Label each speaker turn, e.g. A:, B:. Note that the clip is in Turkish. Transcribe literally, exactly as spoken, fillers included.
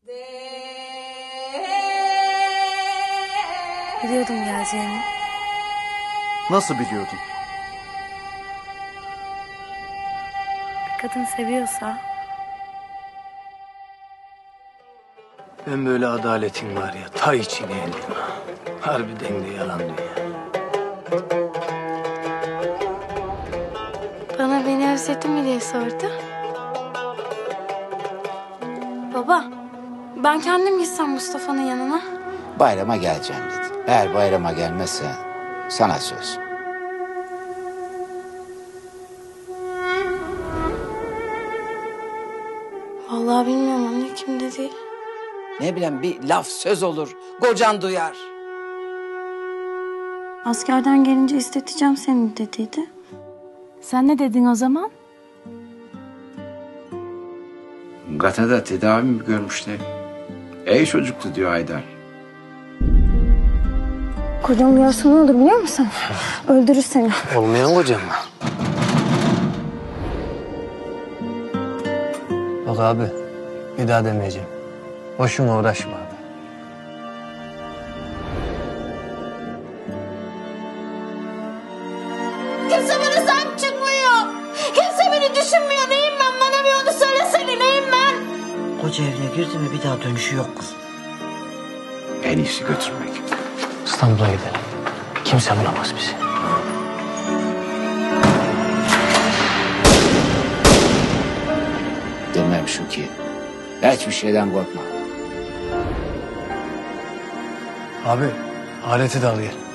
A: Biliyordum geleceğini.
B: Nasıl biliyordun?
A: Bir kadın seviyorsa...
C: Ben böyle adaletin var ya, ta içine indim ha. Harbiden de yalan dünya.
A: Bana beni özledin mi diye sordu. Baba, ben kendim gitsem Mustafa'nın yanına.
D: Bayrama geleceğim dedi. Eğer bayrama gelmezse sana söz.
A: Vallahi bilmiyorum anne, kim dedi.
E: Ne bileyim, bir laf söz olur, kocan duyar.
A: Askerden gelince isteteceğim seni dediydi. Sen ne dedin o zaman?
D: Gata'da tedavi mi görmüşler? Ey çocuktu diyor Haydar.
A: Kocam duyarsa ne olur biliyor musun? Öldürür seni.
C: Olmayan kocam mı? Bak abi, bir daha demeyeceğim. Boşuna uğraşma abi.
F: Kimse bana sahip çıkmıyor. Kimse beni düşünmüyor. Neyim ben? Bana bir onu söylesene. Neyim ben?
E: Koca evine girdi mi bir daha dönüşü yok kız.
D: En iyisi götürmek.
C: İstanbul'a gidelim. Kimse bulamaz bizi.
D: Demem şu ki, hiçbir şeyden korkma.
C: Abi, aleti de al gel.